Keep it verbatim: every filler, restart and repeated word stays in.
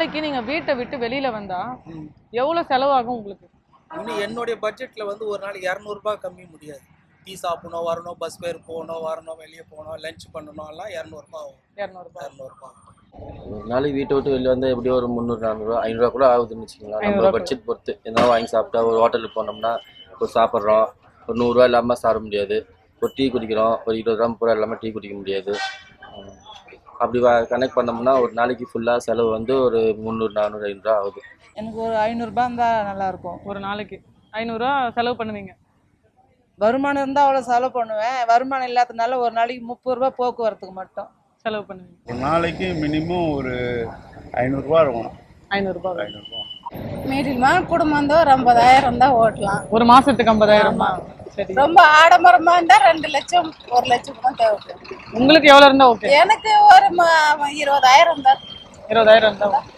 நாளைக்கு நீங்க வீட்டை விட்டு வெளியில வந்தா எவ்வளவு செலவாகும் உங்களுக்கு? இன்னும் என்னுடைய பட்ஜெட்ல வந்து ஒரு நாளைக்கு இரநூறுபா கம்மி முடியாது. டீ சாப்பிடணும், வரணும், பஸ் ஃபேர் போகணும், வரணும், வெளியே போகணும், லஞ்ச் பண்ணணும், எல்லாம் இரநூறுபா ஆகும். இரநூறுபா இரநூறுபா ஒரு நாளைக்கு வீட்டை விட்டு வெளியே வந்தால் எப்படியும் ஒரு முந்நூறு நானூறுரூவா ஐநூறுரூவா கூட ஆகுதுன்னு வச்சுக்கலாம். நம்ம பட்ஜெட் பொறுத்து எதாவது வாங்கி சாப்பிட்டா ஒரு ஹோட்டலுக்கு போனோம்னா ஒரு சாப்பிட்றோம், ஒரு நூறுரூவா இல்லாமல் சாப்பிட முடியாது. ஒரு டீ குடிக்கிறோம், ஒரு இருபது கிராம் பூரா இல்லாமல் டீ குடிக்க முடியாது. அப்படி கனெக்ட் பண்ணோம்னா ஒரு நாளைக்கு ஃபுல்லாக செலவு வந்து ஒரு முந்நூறு நானூறு ஐநூறுரூவா ஆகுது. எனக்கு ஒரு ஐநூறுரூபா இருந்தால் நல்லாயிருக்கும். ஒரு நாளைக்கு ஐநூறுரூவா செலவு பண்ணுவீங்க? வருமானம் இருந்தால் அவ்வளோ செலவு பண்ணுவேன். வருமானம் இல்லாததுனால ஒரு நாளைக்கு முப்பது ரூபா போக்குவரத்துக்கு மட்டும் செலவு பண்ணுவீங்க. ஒரு நாளைக்கு மினிமம் ஒரு ஐநூறுரூவா இருக்கணும். ஐநூறுரூபா ஐநூறுரூவா மீடியமான குடும்பம் இருந்தால் ஒரு ஐம்பதாயிரம் தான் ஓட்டலாம். ஒரு மாசத்துக்கு ஐம்பதாயிரமா? சரி. ரொம்ப ஆடம்பரமா இருந்தா ரெண்டு லட்சம் ஒரு லட்சம் தான் தேவைப்படும். உங்களுக்கு எவ்வளவு இருந்தா ஓகே? எனக்கு ஒரு இருபதாயிரம் தான். இருபதாயிரம் இருந்தா